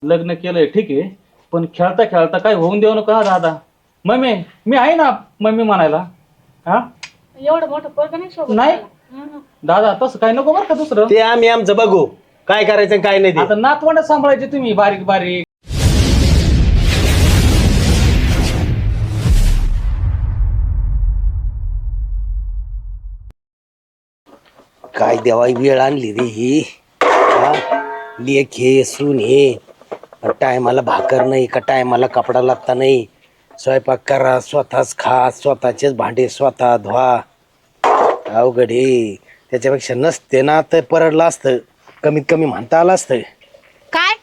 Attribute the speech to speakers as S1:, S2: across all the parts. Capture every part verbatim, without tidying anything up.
S1: लग्न केलंय ठीक आहे, पण खेळता खेळता काय होऊन देऊ नका दादा. मम्मी मी आहे ना मम्मी म्हणायला. हा
S2: एवढं मोठं पोरग नाही शोभत
S1: नाही
S2: मला. हं.
S1: दादा तसं काय नको बरं का दुसरं.
S3: ते आम्ही आमचं बघू काय करायचं काय नाही ते.
S1: आता नातवंड सांभाळायचे तुम्ही बारीक बारीक.
S3: काय देवाई वेळ आणली रे ही. हा? लेक हे सून हे टायमाला भाकर नाही का टायमाला कपडा लागता नाही. स्वयंपाक करा स्वतःच खा स्वतःचेच भांडे स्वतः धुवा. अवघड हे. त्याच्यापेक्षा नसते ना तर परडलं असतं. कमीत कमी म्हणता आलं असतं.
S4: काय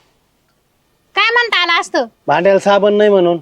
S4: काय म्हणता आलं असतं.
S3: भांड्याला साबण नाही म्हणून.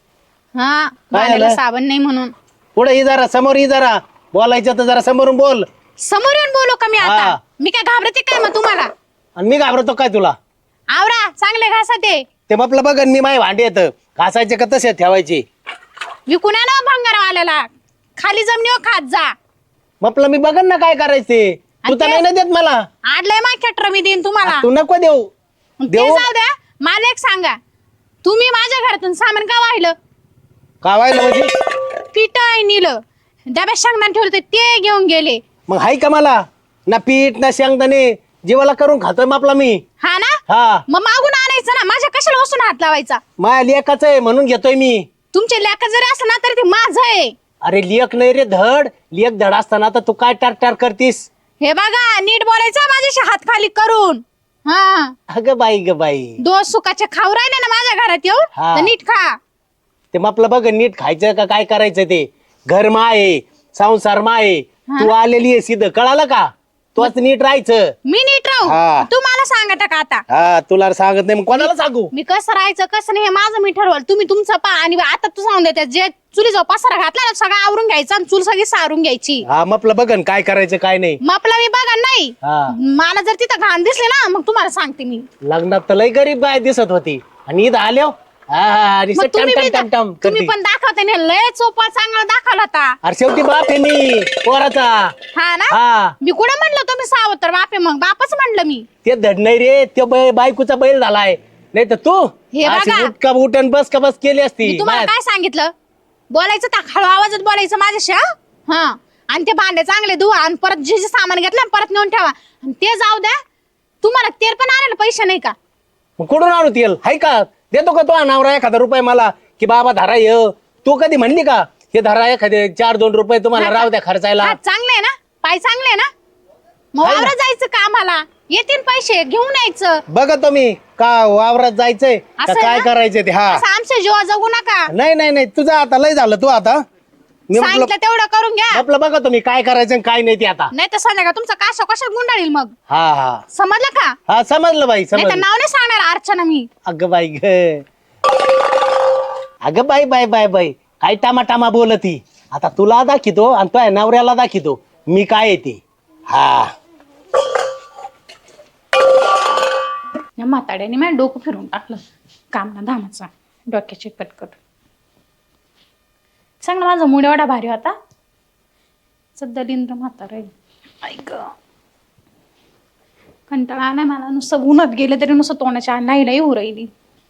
S4: हा भांड्याला साबण नाही म्हणून.
S3: पुढे ही जरा समोर ही जरा बोलायचं तर जरा समोरून बोल.
S4: समोर येऊन बोलू का मी
S3: हा.
S4: आता. मी काय घाबरते काय मग तुम्हाला.
S3: आणि मी घाबरतो काय तुला.
S4: आवरा चांगले घासा ते
S3: ते म्हटलं बघ मी माय भांडे येतं घासायचे का तसे ठेवायचे.
S4: विकून ना भंगारवाल्याला खाली जमिनीवर खात जा.
S3: म्हटलं मी बघन ना काय करायचे. तू तर
S4: आणि
S3: नाही ना देत मला.
S4: आडलंय मा खेटर मी देईन तुम्हाला.
S3: तू नको देऊ.
S4: ते
S3: देऊ
S4: जाऊ द्या. मला एक सांगा तुम्ही माझ्या घरातून सामान का वाहिलं.
S3: का व्हायला म्हणजे.
S4: पीठ नेलं डब्यात शेंगदाणे ठेवलं होते ते घेऊन गेले.
S3: मग हाय का मला ना पीठ ना शेंगदाणे जीवाला करून खातोय आपला मी.
S4: हा ना
S3: हा
S4: मग मागून आणायचं ना. माझ्या कशाला वस्तून हात लावायचा.
S3: माया लेकाच आहे म्हणून घेतोय मी.
S4: तुमचे लेखा जरी असलं ना तरी ते माझं आहे.
S3: अरे लेक नाही रे धड. लेक धड असताना तर तू काय टार टार करतीस.
S4: हे बघा नीट बोलायचं माझ्याशी हात खाली करून. हा
S3: अगं बाई ग बाई.
S4: दोन सुखाचे खाऊ राहिले ना माझ्या घरात येऊन
S3: हा.
S4: तर नीट खा.
S3: ते मग आपलं बघ नीट खायचं का काय करायचं ते. घर मा आहे संसार मा आहे. तू आलेली आहे सिद्ध कळालं का. तूच नीट राहायचं.
S4: मी नीट
S3: हा.
S4: राहू तू मला सांगता का आता.
S3: हा तुला सांगत नाही मग कोणाला सांगू.
S4: मी कसं राहायचं कसं नाही हे माझं मी ठरवलं. तुम्ही तुमचं पा आणि आता तू सांगून देते जे चुलीचा पसारा घातला ना सगळं आवरून घ्यायचं आणि चूल सगळी सारून घ्यायची.
S3: हा म्हटलं बघन काय करायचं काय नाही.
S4: मग आपला मी बघा नाही
S3: हा
S4: मला जर तिथं घाण दिसले ना मग तुम्हाला सांगते मी.
S3: लग्नात तर लय गरीब बाय दिसत होती आणि इथं आल्या
S4: मग तुम्ही बी दा- तुम्ही पण दाखवते ना लय चोपा चांगला दाखवला होता.
S3: अरे शेवटी बाप आहे मी पोराचा.
S4: हा ना
S3: हा
S4: मी कुठं म्हणलं तुम्ही सावत्र तर बापे मग बापच म्हणलं मी.
S3: ते धड नाही रे ते बै- बायकोचा बैल झालाय. नाही तर तू
S4: हे
S3: अशी
S4: बघा.
S3: उठ का उठ आणि बस का बस केली असती.
S4: मी तुम्हाला काय सांगितलं बोलायचं तर हळू आवाजात बोलायचं माझ्याशी. हा हा. आणि ते भांडे चांगले धुवा आणि परत जे जे सामान घेतलं ना परत नेऊन ठेवा. आणि ते जाऊ द्या तुम्हाला तेल पण आणायला पैसे नाही का.
S3: मग कुठून आणू तेल हाय का. देतो का तो नवरा एखादा रुपये मला की बाबा धरा ये. तू कधी म्हणली का हे धरा एखादे चार दोन रुपये तुम्हाला राहू द्या खर्चायला.
S4: हात चांगले आहे ना पाय चांगले आहे ना. मग
S3: आहे ना.
S4: वावरात जायचं का आम्हाला येतील पैसे घेऊन यायचं.
S3: बघा तुम्ही का वावरात जायचंय का
S4: असं
S3: काय
S4: ना?
S3: करायचंय ते. हा
S4: असं आमच्या जीवा जगू नका.
S3: नाही नाही नाही तुझं आता लय झालं तू आता. मी म्हटलं
S4: सांगितलं तेवढं करून घ्या.
S3: आपलं बघा तुम्ही काय करायचं आणि काय नाही ते आता.
S4: नाही तर संध्याकाळ तुमचा काशा कशात गुंडाळील मग.
S3: हा हा
S4: समजलं का.
S3: हा समजलं बाई
S4: नाही तर
S3: समजलं.
S4: नाव नाही सांगणार अर्चना मी.
S3: अगं बाई ग. अगं बाई बाय बाय बाई काय टामा टामा बोलती. आता तुला दाखितो आणि तुझ्या नवऱ्याला दाखितो मी काय येते. हा
S4: या म्हाताड्याने माझ्या डोकं फिरून टाकलं काम ना धामाचा डोक्याची कटकट. सांग ना माझा मूड एवढा भारी होता. दलिंद्र म्हातारा ऐक कंटाळा आलाय मला. नुसतं उन्हात गेलं तरी नुसतं तोंडाच्या नाही नाही होऊ राहिली.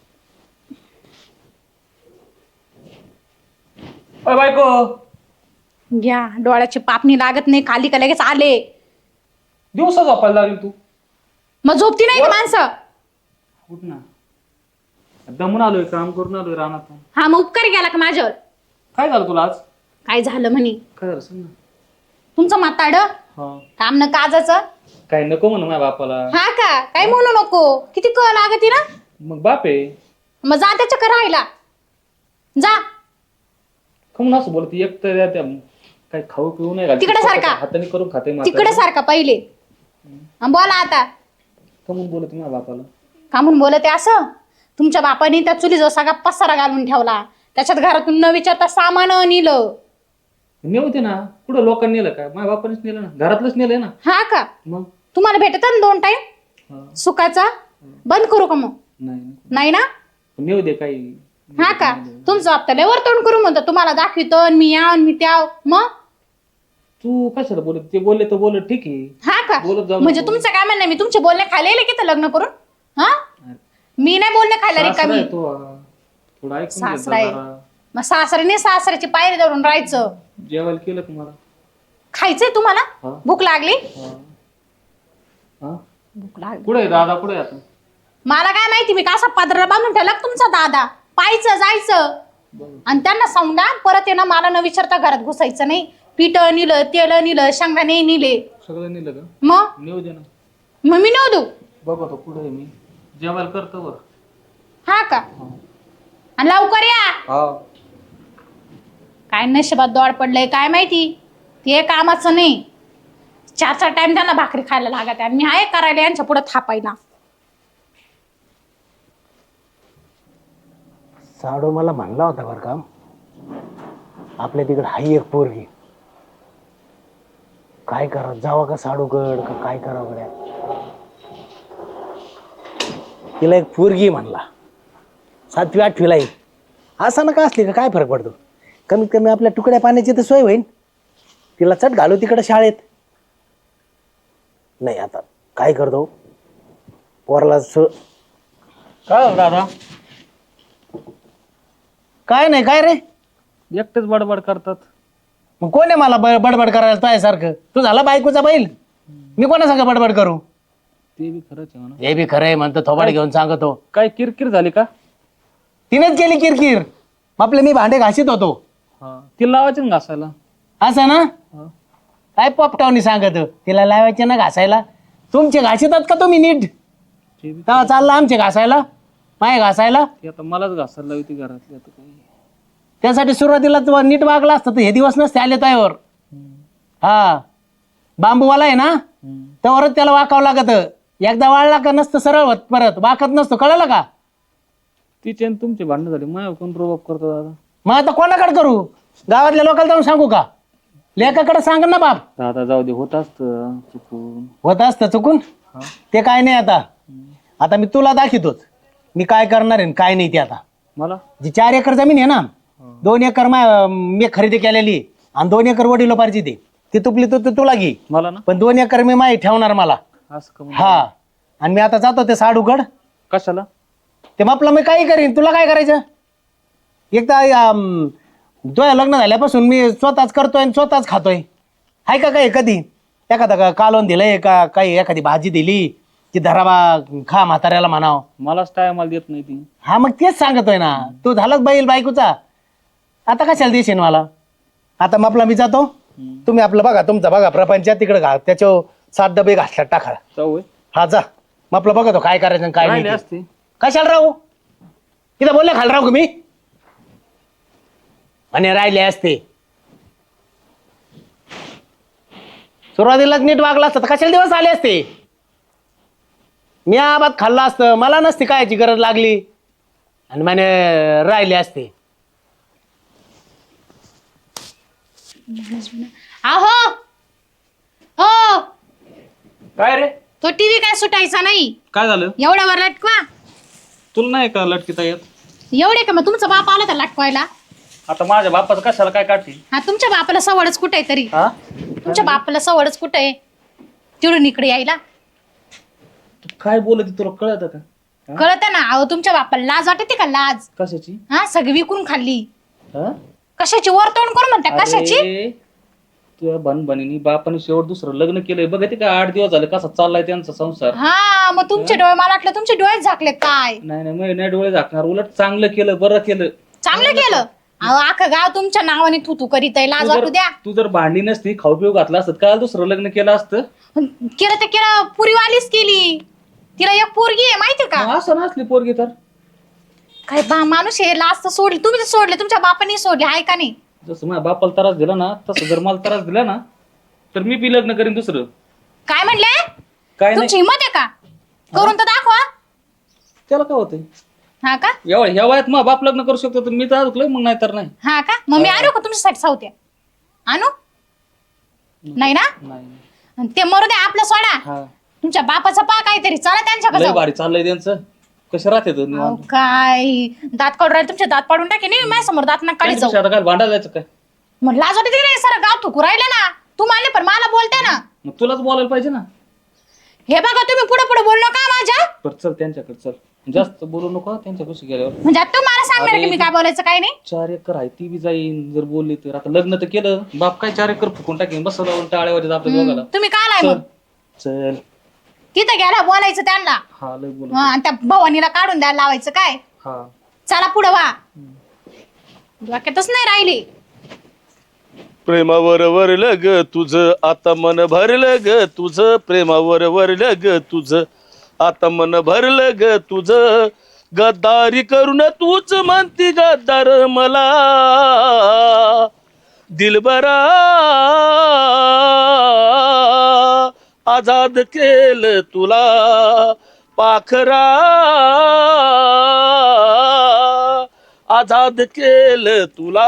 S1: अय बायको
S4: घ्या डोळ्याची पापणी लागत नाही खाली का लगेच आले.
S1: दिवसा झोपायला लागली तू.
S4: मग झोपती नाही का माणसं.
S1: उठ ना. दमून आलोय काम करून आलोय रानात.
S4: हा मग उपकार गेला का माझ्यावर.
S1: काय झालं तुला आज.
S4: काय झालं म्हणे
S1: काय झालं सांग ना.
S4: तुमचं म्हाताड
S1: हा
S4: काम न काजाचं.
S1: काय नको म्हणू माझ्या बापाला.
S4: हा का काय म्हणू नको किती क लागती ना.
S1: मग बाप आहे.
S4: मग जा त्याच्या राहायला जा.
S1: कमून असं बोलते एक तर त्या काय खाऊ पिऊ नाही
S4: तिकडे सारखा.
S1: हाताने करून खाते.
S4: तिकडे सारखा पहिले अन बोला आता.
S1: कमून बोलत माझ्या बापाला.
S4: का म्हणून बोलते असं. तुमच्या बापाने त्या चुलीजवळ सगळा पसारा घालून ठेवला. त्याच्यात घरातून न विचारता सामान नेलं.
S1: नेवते ना कुठं लोकांनी नेलं का. माझ्या बापानेच नेलं ना घरातलंच नेलंय ना.
S4: हा का
S1: मग
S4: तुम्हाला भेटत ना दोन टाइम
S1: हा.
S4: सुखाचा. बंद करू का मग.
S1: नाही
S4: नाही ना.
S1: नेऊ दे काही.
S4: हा का तुमचं हप्त्याला वर्तवण करू म्हणतो तुम्हाला दाखवितो आणि मी या आणि मी त्या. मग
S1: तू कशाला बोलत ते बोलले तर बोलत ठीक आहे.
S4: हा का
S1: बोलत जाऊ
S4: म्हणजे
S1: नको.
S4: तुमचं काय म्हणणं मी तुमचे बोलणे खाली येले की लग्न करून. हा मी नाही बोलणे खायला
S1: सासरा
S4: रिकामी.
S1: आहे तो, हा. थोडं ऐकून घे
S4: सासरा आहे.
S1: जरा.
S4: मग सासऱ्याने सासऱ्याची पायरी धरून राहायचं.
S1: जेवायला केलं का मला?
S4: खायचंय तुम्हाला?
S1: हा.
S4: भूक लागली?
S1: हा. हा?
S4: भूक लागली.
S1: कुठे आहे दादा, कुठे आहे आता?
S4: मला काय माहिती, मी कसा पदरा बांधून ठेवला का तुमचा दादा? पाहायचं जायचं आणि त्यांना सांगा परत आहे ना, मला न विचारता घरात घुसायचं नाही. पीठ निलं, तेल निलं, शेंगदाणे निले.
S1: सगळं नेलं का?
S4: मग
S1: नेऊ दे ना.
S4: मग मी नेऊ देऊ?
S1: बघतो कुठे आहे मी, जेवायला करतो वर.
S4: हा का? आणि लवकर या.
S1: हा.
S4: काय नशिबात दौड पडलंय काय माहिती, ते कामाचं नाही. चार चार टाइम त्यांना भाकरी खायला लागत आहे आणि मी आहे करायला यांच्या पुढे थापायला.
S3: साडू मला म्हणला होता बरं का, आपल्या तिकडे हाई एक पोरगी, काय करा जावा का साडूकड का काय करावं गड्या. तिला एक पोरगी म्हणला, सातवी आठवीला येईल. असं ना का असली का काय फरक पडतो, कमीत कमी आपल्या तुकड्या पाण्याची तर सोय होईल. तिला चट घालू तिकडे शाळेत. नाही आता काय करतो पोराला स
S1: काय हो दादा,
S3: काय नाही काय रे.
S1: एकटेच बडबड करतात.
S3: मग कोण आहे मला ब- बडबड करायला तो सारखं. तू झाला बायकोचा बैल, मी कोणा सांगा बडबड करू.
S1: ते बी खरंच आहे म्हणा.
S3: हे बी खरंय म्हणतो, थोबाड घेऊन सांगतो.
S1: काय किरकिर झाली का?
S3: तिनेच केली किरकिर. आपले मी भांडे घासीत होतो.
S1: हा. तिला लावायचे ना घासायला.
S3: असं ना,
S1: हा.
S3: काय पपटावनी सांगत तिला लावायचे ना घासायला. तुमचे घासितात का तुम्ही नीट?
S1: ते बी
S3: तेव्हा चालला आमचे घासायला, माय घासायला.
S1: ते आता मलाच घासायला लावली ती घरातली. आता काय
S3: त्यासाठी सुरुवातीला तू नीट वागला असतं तर हे दिवस नसते आले त्यावर. हा, बांबूवाला आहे ना,
S1: हम्म.
S3: त्यावरच त्याला वाकावं लागत. एकदा वाळला का नसतं सरळ होत, परत वाकत नसतो. कळलं का?
S1: तिचे आणि तुमचे भांडणं झाले, माझ्या कोण रोबाब करतो दादा.
S3: मग आता कोणाकडे करू? गावातल्या लोकांना जाऊन सांगू का? लेकाकडे सांग ना बाप.
S1: दादा जाऊ दे, होत असतं चुकून.
S3: होत असतं चुकून.
S1: हा.
S3: ते काय नाही. आता आता मी तुला दाखवतोच मी काय करणार आहे आणि काय नाही. ते आता
S1: मला
S3: जी चार एकर जमीन आहे ना, दोन एकर मा मी खरेदी केलेली आणि दोन एकर वडिलोपार्जी दे. ती तुपली तू तू- तुला घे,
S1: मला ना
S3: पण दोन एकर मी माही ठेवणार मला.
S1: असं का म्हणून?
S3: हा, आणि मी आता जातो ते साडूकड.
S1: कशाला?
S3: ते म्हटलं मी काही करीन, तुला काय करायचं? एकदा तुझ्या लग्न झाल्यापासून मी स्वतःच करतोय आणि स्वतःच खातोय. हाय का काही कधी एखादा का कालवण दिलंय का, काही एखादी भाजी दिली की धराबा खा म्हाताऱ्याला म्हणाव.
S1: मलाच टायमाला देत नाही ती.
S3: हा, मग तेच सांगतोय ना, तू झालाच बैल बायकोचा. आता कशाला देशील मला? आता मग आपला मी जातो, तुम्ही आपलं बघा, तुमचा बघा प्रपंच तिकडे घा, त्याच्यावर सात डबे घातल्यात टाका.
S1: जाऊ होय.
S3: हा जा, मग आपलं बघा तो काय करायचं आणि काय
S1: राहिले
S3: नाही.
S1: असते.
S3: कशाला राहू? तिथं बोलले खाल राहू का मी? आणि राहिले असते. सुरुवातीलाच नीट वागला असतं तर कशाला दिवस आले असते? मी आबाद खाल्ला असतं, मला नसती कायची गरज लागली आणि म्हणे राहिले असते.
S4: आहो हो,
S1: काय रे?
S4: तो टीव्ही काय सुटायचा नाही.
S1: काय झालं?
S4: एवढ्यावर लटकवा.
S1: तुला नाही का लटकीता येत?
S4: एवढे का? मग तुमचा बाप आला तर लटकवायला.
S1: आता माझ्या बापाचं कशाला काय काढते?
S4: हा, तुमच्या बापाला सवडच कुठे आहे तरी?
S1: हा?
S4: तुमच्या बापाला सवडच कुठे आहे तिकडून इकडे यायला?
S1: तू काय बोलत तुला कळत का?
S4: कळत ना. अहो, तुमच्या बापाला लाज वाटते का? लाज.
S1: कशाची?
S4: हा, सगळी विकून खाल्ली.
S1: हा?
S4: कशाची? वर तोंड करून म्हणता कशाची?
S1: अरे, तुझ्या बनबनीनी बापाने शेवट दुसरं लग्न केलंय. बघ ते काय आठ दिवस झाले कसा चाललाय त्यांचा संसार.
S4: हा, मग तुमचे डोळे, मला वाटलं तुमचे डोळेच झाकले काय.
S1: नाही नाही, मी नाही डोळे झाकणार. उलट चांगलं केलं, बरं केलं.
S4: चांगलं केलं. अहो, अख्खं गाव तुमच्या नावाने थू थू करीत आहे. लाज
S1: तू
S4: वाटू
S1: जर-
S4: द्या.
S1: तू जर भांडी नसती, खाऊ पिऊ घातला असत, काल दुसरं लग्न केलं असतं.
S4: केलं तर केलं, पुरीवालीच केली. तिला एक पोरगी आहे माहिती का?
S1: मग असं नसली पोरगी तर
S4: काय बा माणूस आहे. लाज तर सोडली, तुम्ही तर सोडले, तुमच्या बापाने सोडले, आहे का नाही?
S1: जसं माझ्या बापाला त्रास दिला ना, तसं जर मला त्रास दिला ना, तर मी बी लग्न करीन दुसरं.
S4: काय म्हणले?
S1: काय
S4: तुमची
S1: नाही,
S4: हिंमत आहे का? करून तर दाखवा.
S1: त्याला काय होतंय?
S4: हा का?
S1: एवढ्या ह्या वयात मग बाप लग्न करू शकतो तर मी तर अडकलोय, मग नाही तर नाही.
S4: हा का? मग मी आणू का तुमच्यासाठी सावत्या? आणू? नाही ना?
S1: नाही.
S4: आणि ते मरू द्या, आपलं सोडा.
S1: हा,
S4: तुमच्या बापाचा पा काहीतरी, चला त्यांच्याकडे
S1: लय
S4: जाऊ.
S1: भारी चाललंय त्यांचं. कसं राहते तो
S4: अहो,
S1: निवांत?
S4: काय दात काढून राहिले तुमचे, दात पाडून टाके नाही माझ्या समोर, दात ना काढी जाऊ.
S1: त्यांच्यापेक्षा आता काय भांडायला जायचं काय?
S4: मग लाज वाटते की नाही? सर गाव थुकू राहिले ना. तू मानले पण मला बोलते ना.
S1: मग तुलाच बोलायला पाहिजे ना.
S4: हे बघा, तुम्ही पुढे पुढे बोललो का माझ्या?
S1: बरं चल त्यांच्याकडे चल. जास्त बोलू नको त्यांच्या खुशी गेल्यावर.
S4: म्हणजे आता तू मला सांगणार की मी काय बोलायचं काय नाही.
S1: चार एकर आहे ती बी जाईन जर बोलली तर. आता लग्न तर केलं बाप काय चार एकर फुकून टाकेन बस लावून टाळ्यावर आपल्या दोघाला.
S4: तुम्ही काय आलाय मग
S1: चल
S4: तिथं गेला बोलायचं त्यांना.
S1: हा लय बोल.
S4: आणि त्या भवानीला काढून द्यायला लावायचं काय.
S1: हा
S4: चला पुढं वा. डोक्यातच नाही राहिली.
S5: प्रेमावर वरलं ग तुझं आता मन भरलं ग तुझं प्रेमावर वरलं ग तुझं आता मन भरलं ग तुझं गद्दारी करून तूच म्हणती गद्दार मला दिलबरा आजाद केलं तुला पाखरा आजाद केलं तुला.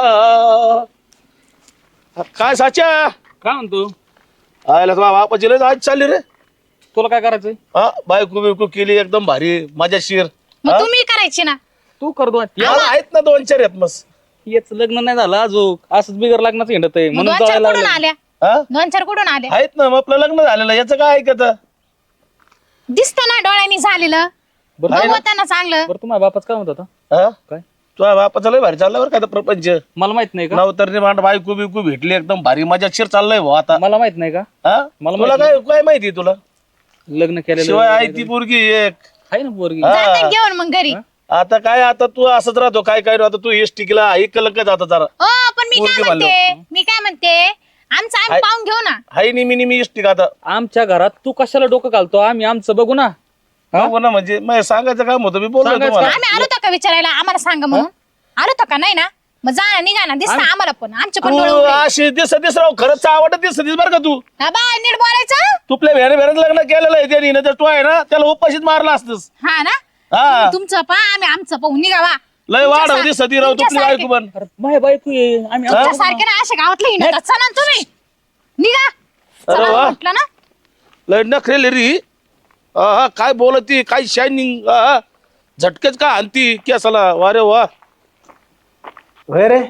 S5: काय साच्या
S1: काय म्हणतो
S5: आयला तुला बापाची लय आज चालली रे.
S1: तुला काय करायचंय.
S5: हा बायको बियको केली एकदम भारी मजाशीर.
S4: मग तुम्ही करायची ना.
S1: तू करतो
S5: मला आहेत ना दोन चार आहेत मस्त.
S1: याच लग्न नाही झालं अजून असंच बिगर लग्नाचं हिंडत आहे
S4: मग
S1: म्हणून
S4: दोन चार
S1: जायला
S4: कुठून
S1: लागलं.
S4: आल्या.
S5: हा
S4: दोन चार कुठून आल्या.
S5: आहेत ना मग आपलं लग्न झालेलं याचं काय ऐकत.
S4: दिसतं ना डोळ्यांनी झालेलं.
S1: बरं
S5: आहे ना?
S4: बघू ना चांगलं.
S1: बरं तुम्हाला बापाच काय म्हणत होता.
S5: हा
S1: काय
S5: तुझ्या बापाचं लय भारी चाललं बरं का आता प्रपंच.
S1: मला माहित नाही का.
S5: नवतरने मांड बायको बिकू भेटली एकदम भारी मजाशीर चाललंय भाऊ आता.
S1: मला माहित नाही का.
S5: हा
S1: मला
S5: तुला
S1: माहिती
S5: काय काय माहिती तुला
S1: लग्न केलेलं
S5: शिवाय आहे ती पोरगी एक.
S1: आहे ना पोरगी.
S5: हा.
S4: जाते घेऊन मग घरी.
S5: आता काय आता तू असंच राहतो काय काय आता तू एस टिकला ऐकलं का आता जरा
S4: ओ पण मी काय
S5: पोरगी
S4: म्हणते मी काय म्हणते आमचं आम्ही
S5: हाय.
S4: पाहून घेऊ ना.
S5: हाय निमी निमी एस टिक आता
S1: आमच्या घरात तू कशाला डोकं घालतो आम्ही आमचं बघू ना. हा?
S5: बघू ना म्हणजे मग सांगायचं काम होतं मी बोललो
S1: सांगायचं
S5: तुम्हाला.
S4: आम्ही आलो होतो का विचारायला आम्हाला सांगा म्हणून. आलो होतो का नाही ना. मग जा ना निघा ना दिसतं आम्हाला पण आमचे पण डोळे
S5: तू
S4: उघडे.
S5: अशी दिसत दिस राव खरंच आवडत दिसत दिस बरं का तू
S4: हा बाय नीट बोलायचं.
S5: तुपल्या भेणे भेण्यात लग्न केलेलं आहे त्याने तर तू आहे ना त्याला उपाशीच मारला असतस.
S4: हा ना
S5: हा
S4: तुमचं पा आम्ही आमचं पाहून निघावा.
S5: लय वाढव दिसत ती राव तुपली बायको पण.
S1: अरे माझ्या बायको आहे आम्ही
S5: हा?
S4: सारखे ना अशा गावातले हिंडत चला ना तुम्ही निघा.
S5: अरे
S4: चला
S5: वा.
S4: म्हटलं ना.
S5: लय नखरेल री हा काय बोलती काय शायनिंग झटकेच का आणती केसाला वारे वा.
S3: होय रे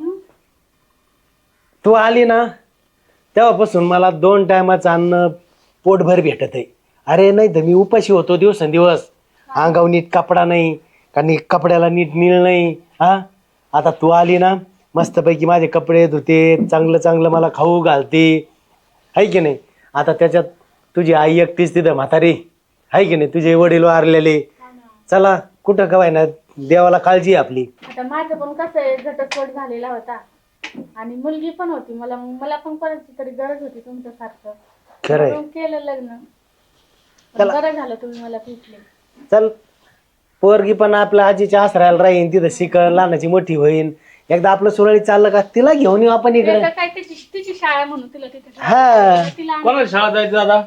S3: तू आली ना तेव्हापासून मला दोन टायमाचं अन्न पोटभर भेटत आहे. अरे नाही तर मी उपाशी होतो दिवसेंदिवस. अंगावर नीट कपडा नाही का नी कपड्याला नीट नीळ नाही. हा आता तू आली ना मस्तपैकी माझे कपडे धुते चांगलं चांगलं मला खाऊ घालते आहे की नाही. आता त्याच्यात तुझी आई एकटीच तिथं म्हातारी आहे की नाही. तुझे वडील वारलेले. चला कुठं कवाय ना देवाला काळजी आहे आपली.
S2: आता माझं पण कसं आहे घटस्फोट झालेला होता आणि मुलगी पण होती मला मला पण कोणाची तरी गरज होती तुमच्यासारखं.
S3: खरंय.
S2: म्हणून केलं लग्न.
S3: चला.
S2: बरं झालं तुम्ही मला भेटले.
S3: चल पोरगी पण आपल्या आजीच्या आसऱ्याला राहीन तिथं शिकल लहानाची मोठी होईन. एकदा आपलं सुरळीत चाललं का तिला घेऊन येऊ आपण इकडे.
S2: तिला काय तिची तिची शाळा म्हणून तिला तिथे
S3: हा
S2: तिला आण-
S1: कोणाला शाळा जायचं दादा.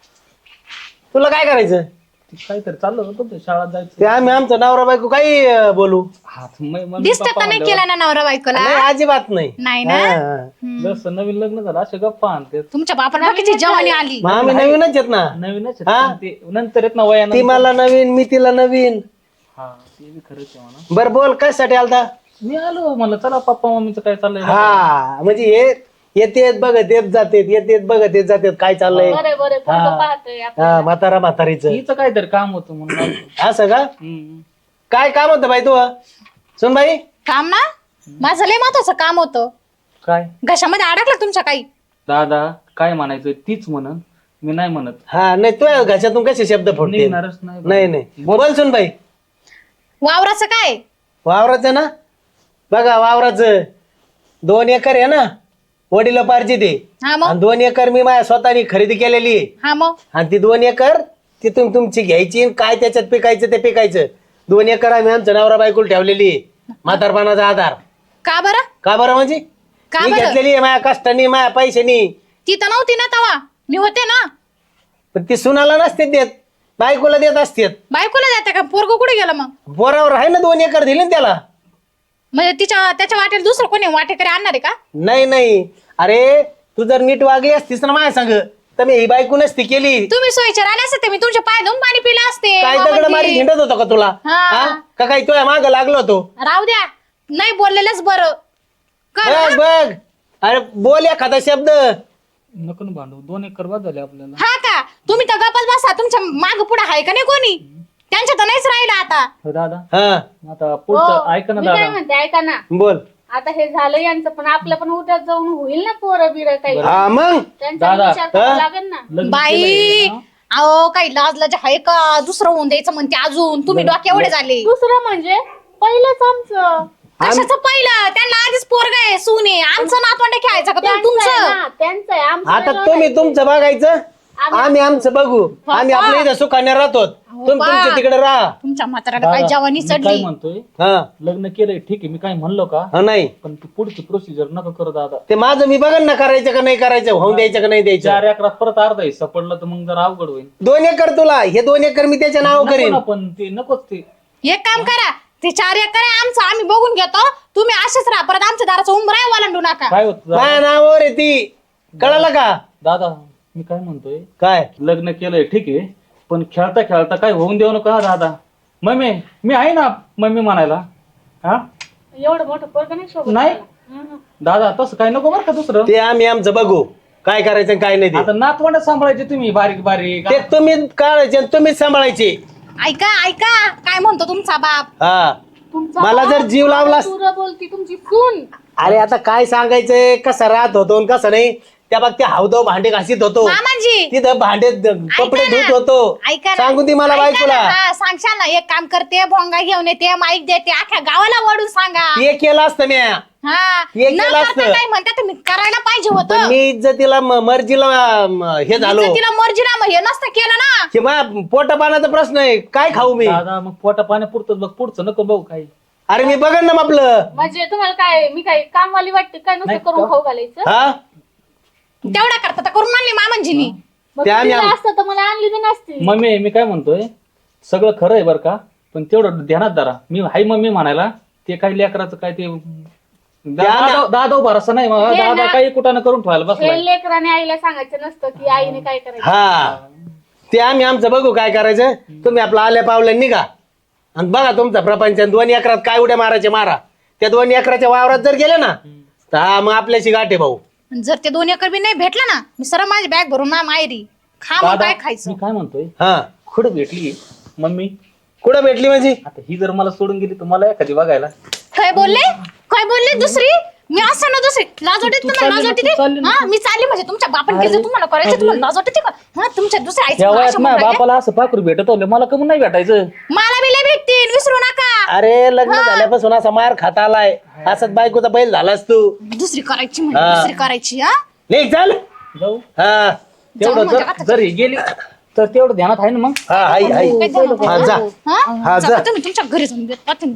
S3: तुला काय करायचं
S1: काहीतरी चाललं होतं तुमचं शाळा जायचं.
S3: ते आम्ही आमचं नवरा बायको काही अं, बोलू
S1: हा, मग- मग
S4: दिसतं
S1: पप्पा
S4: का नाही
S1: म्हणल्यावर
S4: केला ना नवरा बायकोला.
S3: नाही अजिबात नाही.
S4: नाही ना.
S3: हा.
S1: जसं नवीन लग्न झालं असे गप्पा आणते
S4: तुमच्या बापाला किती जवानी आली.
S3: मग आम्ही नवीनच आहेत ना.
S1: नवीनच आहेत.
S3: हा?
S1: पण ते नंतर येत ना वयानं.
S3: ती मला नवीन मी तिला नवीन.
S1: हा ते बी खरंच आहे म्हणा.
S3: बर बोल कशासाठी आलता.
S1: मी आलो म्हणलं चला पप्पा मम्मीचं काय चाललंय.
S3: हा म्हणजे हे येतेत बघत येत जातेत येतेत बघत येत जातेत काय चाललंय.
S2: बरं बरं पोरगं पाहतोय आपण.
S3: हा म्हातारा म्हातारीचं
S1: हिचं काहीतरी काम होतं म्हणून आलो.
S3: असं का.
S1: हम्म.
S3: काय काम होतं बाई तू सुन बाई.
S4: काम ना माझं लय महत्वाचं काम होतं.
S1: काय
S4: घशामध्ये अडकलं तुमच्या काही.
S1: दादा काय म्हणायचं तीच म्हणन मी नाही म्हणत.
S3: हा नाही तू घशातून कसे शब्द फोडते.
S1: निघणारच नाही.
S3: नाही नाही बोल सुन बाई.
S4: वावराचं काय.
S3: वावराचं ना बघा वावराचं दोन एकर आहे ना वडिलोपार्जित आहे.
S4: हा मग
S3: आणि दोन एकर मी माझ्या स्वतःनी खरेदी केलेली आहे.
S4: हा मग
S3: आणि ती दोन एकर तिथून तुमची घ्यायची आणि काय त्याच्यात पिकायचं ते पिकायचं. दोन एकर आम्ही आमचं नवरा बायकोला ठेवलेली आहे म्हातारपणाचा आधार.
S4: का बरं.
S3: का बरं म्हणजे
S4: का
S3: मी
S4: बरं?
S3: घेतलेली आहे माझ्या कष्टानी माझ्या पैशानी.
S4: ती तर नव्हती ना तवा मी होते ना.
S3: पण ती सुनाला नसते देत बायकोला देत असते.
S4: बायकोला जाते का पोरगं कुठे गेलं मग.
S3: बोरावर आहे ना दोन एकर दिली ना त्याला.
S4: म्हणजे तिच्या त्याच्या वाटेल दुसरं कोणी वाटेकरी आणणार आहे का.
S3: नाही नाही अरे तू जर नीट वागली असतीस ना माझ्या सांग तर मी ही बायको नसती केली.
S4: तुम्ही सोयीचे राहिले असते मी तुमच्या पाय धुवून पाणी पिलं असते.
S3: काय दगड
S4: बाबांची.
S3: मारी हिंडत होतो का तुला.
S4: हा.
S3: हा? का काही तुझ्या माग लागलो होतो.
S4: राहू द्या नाही बोललेलंच बरं. कर
S3: बघ बघ अरे बोल एखादा शब्द.
S1: नको ना भांडू दोन एकर बाद झाले आपल्याला.
S4: हा का तुम्ही तर गप्पच बसा तुमच्या माग पुढे आहे का नाही कोणी. त्यांच्या तर नाहीच राहिलं आता.
S1: हो दादा
S3: हा
S1: आता पुढचं
S2: हो,
S1: ऐका ना
S2: मी काय
S1: दादा.
S2: म्हणते ऐका ना,
S3: बोल.
S2: आता हे झालं यांचं, पण आपलं पण उद्या जाऊन होईल ना पोरं बिरं काही,
S3: हा मग
S2: त्यांचा
S1: दादा,
S2: विचार करावा
S3: हा?
S2: लागेल ना.
S1: लग्न
S4: बाई
S1: केलंय ना?
S4: अहो काही लाज लाज आहे का? दुसरं होऊन द्यायचं म्हणते अजून. तुम्ही डोक्या एवढे झाले.
S2: दुसरं म्हणजे पहिलंच आमचं
S4: कशाचं पहिलं? त्यांना आधीच पोरग आहे, सून आहे. आमचं नातवंड खेळायचं का तुम्ही
S2: त्यांचं आहे
S4: तुमचं?
S2: ना, त्यांचं आहे, आमचं
S3: आता
S2: नाही
S3: तुम्ही
S2: बघायचं.
S3: तुमचं बघायचं, आम्ही आमचं बघू. आम्ही आपल्या इथं सुखाने राहतो, तुम्ही
S4: बा.
S3: तुमच्या तिकडे राहा.
S4: तुमच्या म्हाताऱ्याला काय
S1: दादा,
S4: जवानी
S1: मी काय
S4: चढली.
S1: म्हणतोय
S3: हा
S1: लग्न केलंय ठीक आहे, मी काय म्हणलो का?
S3: हा, नाही
S1: पण ती पुढची प्रोसिजर नका करू दादा.
S3: ते माझं मी बघन ना, करायचं का नाही करायचं, होऊन द्यायचं का नाही द्यायचं.
S1: चार एकरात परत अर्धा हिस्सा पडला तर मग जरा अवघड होईल.
S3: दोन एकर तुला, हे दोन एकर मी त्याच्या नाव
S1: नको
S3: करीन.
S1: ना, पण ते नकोच ते.
S4: एक काम करा, ते चार एकर आहे आमचं, आम्ही बघून घेतो. तुम्ही असेच राहा, परत आमच्या दाराचं उंबरा वालांडू नका.
S1: काय होत
S3: माझ्या नावावर आहे ती, कळालं का?
S1: दादा मी काय म्हणतोय,
S3: काय
S1: लग्न केलंय ठीक आहे, पण खेळता खेळता काय होऊन देऊ नका दादा. मम्मी मी आहे ना मम्मी म्हणायला. हा
S2: एवढं मोठं पोरग नाही शोभत
S1: नाही.
S2: मला. हं, हं.
S1: दादा तसं काय नको बरं का दुसरं.
S3: ते आम्ही आमचं बघू, काय करायचं आणि काय नाही ते.
S1: आता नातवंड सांभाळायचे तुम्ही बारीक बारीक.
S3: ते तुम्ही काढायचे आणि तुम्हीच सांभाळायचे.
S4: ऐका ऐका काय म्हणतो तुमचा बाप.
S3: हा
S2: तुमचा
S3: मला जर
S2: बाप
S3: जीव लावलास-
S2: तुरं बोलती तुमची सून.
S3: अरे आता काय सांगायचंय, कसं राहत होतो आणि कसं नाही. त्या बाग ते हावदो भांडे घासीत होतो,
S4: मामाजी
S3: तिथं भांडे कपडे
S4: ऐका ना.
S3: धुत होतो.
S4: ऐका ना.
S3: सांगून ती मला
S4: ऐका
S3: बायकोला.
S4: ना. हा, सांगशाल ना, एक काम करते, भोंगा घेऊन येते, माईक देते, अख्ख्या गावाला वडून सांगा.
S3: ते केलं असतं म्या,
S4: हा
S3: हे
S4: न
S3: केलं
S4: करता
S3: असतं.
S4: काय म्हणता तुम्ही, करायला पाहिजे
S3: पण
S4: होतं.
S3: मी इज्जतीला म- मर्जीला म, हे झालो.
S4: तिला मर्जीला मग हे नसतं केलं ना.
S3: की मा पोटा पाण्याचा प्रश्न आहे, काय खाऊ मी?
S1: दादा मग पोटा पाण्या पुरतं बघ, पुढचं नको बघू काही.
S3: अरे मी बघन ना आपलं.
S2: म्हणजे तुम्हाला काय, मी काय कामवाली वाटते काय, नुसतं
S1: नाही
S2: करून
S1: का?
S2: खाऊ घालायचं?
S3: हा
S4: तेवढा करता तर करून आणली मामांजीनी.
S2: मग
S3: ते आम्ही-
S2: दिलं असतं तर मला आणली बी नसती.
S1: मम्मी मी काय म्हणतोय, सगळं खरं आहे बरं का, पण तेवढं ध्यानात धरा. मी हाय मम्मी म्हणायला, ते काही लेकराचं काय ते दादा दादा भरोसा नाही मग.
S2: हे
S1: दादा
S2: ना-
S1: काही कुठाने करून ठेवायला बसलाय.
S2: हे लेकराने आईला सांगायचं नसतं की आईने काय करायचं.
S3: हा ते आम्ही आमचं बघू काय करायचं. तुम्ही आपलं आल्या पावलं निघा आणि बघा तुमचा प्रपंच. दोन एकरात काय उड्या मारायचे मारा. त्या दोन एकराच्या वावरात जर गेले ना तर हा मग आपल्याशी गाठे भाऊ.
S4: जर ते दोन एकर बी नाही भेटलं ना, मी सरळ माझी बॅग भरून ना माहेरी खा मग
S1: दादा
S4: काय खायचं.
S1: मी काय म्हणतोय,
S3: हा
S1: कुठं भेटली मम्मी?
S3: कुठं भेटली म्हणजे?
S1: आता ही जर मला सोडून गेली तर मला एखादी बघायला.
S4: काय बोलले काय बोलले दुसरी? मी असं ना दुसरी लाज वाटते
S1: तू
S4: तुम्हाला? लाज
S1: चालली ना,
S4: वाटते
S1: तू चालली ना.
S4: हा मी चालली म्हणजे तुमच्या बापाने
S1: अरे,
S4: केलं तुम्हाला करायचं, तुम्हाला लाज वाटते का? हा तुमच्या दुसऱ्या आईचं
S1: त्या
S4: मला
S1: वयात
S4: असं
S1: माझ्या
S4: म्हणून राहिले.
S1: बापाला असं पाखरू भेटत होलं, मला कमून नाही भेटायचं?
S4: मला बी लय भेटतील, विसरू नका.
S3: अरे लग्न झाल्यापासून असा मार खाता आलाय, असंच बायकोचा बैल झालास तू.
S4: दुसरी करायची म्हणजे
S3: हा.
S4: दुसरी करायची. हा
S3: नाही चाल.
S1: जाऊ
S3: हा
S1: तेवढं
S4: म्हणजे
S1: जर
S4: आता-
S1: जर ही गेली तर तेवढं ध्यानात आहे ना मग.
S3: हा हाय हाय
S4: काय झालं?
S3: हा जा
S4: हा?
S3: हा,
S4: जा
S3: जा.
S4: तुम्ही तुमच्या घरी जाऊन भेटा तुम्ही.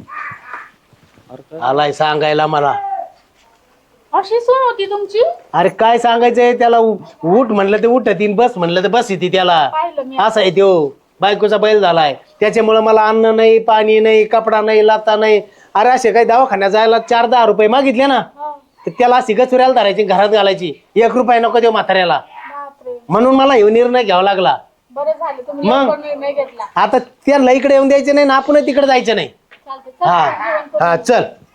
S3: आलाय सांगायला मला.
S2: अशी सून होती तुमची?
S3: अरे काय सांगायचंय त्याला. उ- उठ म्हणलं ते उठत येईन, बस म्हणलं तर बस येते त्याला.
S2: पाहिलं मी.
S3: असं आहे त्यो बायकोचा बैल झालाय. त्याच्यामुळे मला अन्न नाही, पाणी नाही, कपडा नाही, लाता नाही. अरे असे काही दवाखान्यात जायला चार दहा रुपये मागितले ना
S2: हा,
S3: तर त्याला अशी गचुऱ्याला धरायची, घरात घालायची. एक रुपया नको देऊ म्हाताऱ्याला.
S2: बापरे.
S3: म्हणून मला हे निर्णय घ्यावा लागला.
S2: बरं झालं तुम्ही
S3: मग?
S2: लवकर निर्णय घेतला.
S3: आता त्यांना इकडे येऊन द्यायचं नाही ना, आपण तिकडे जायचं नाही.
S2: चालतंय. चल,
S3: हा
S2: जेवण करू.
S3: हा चल.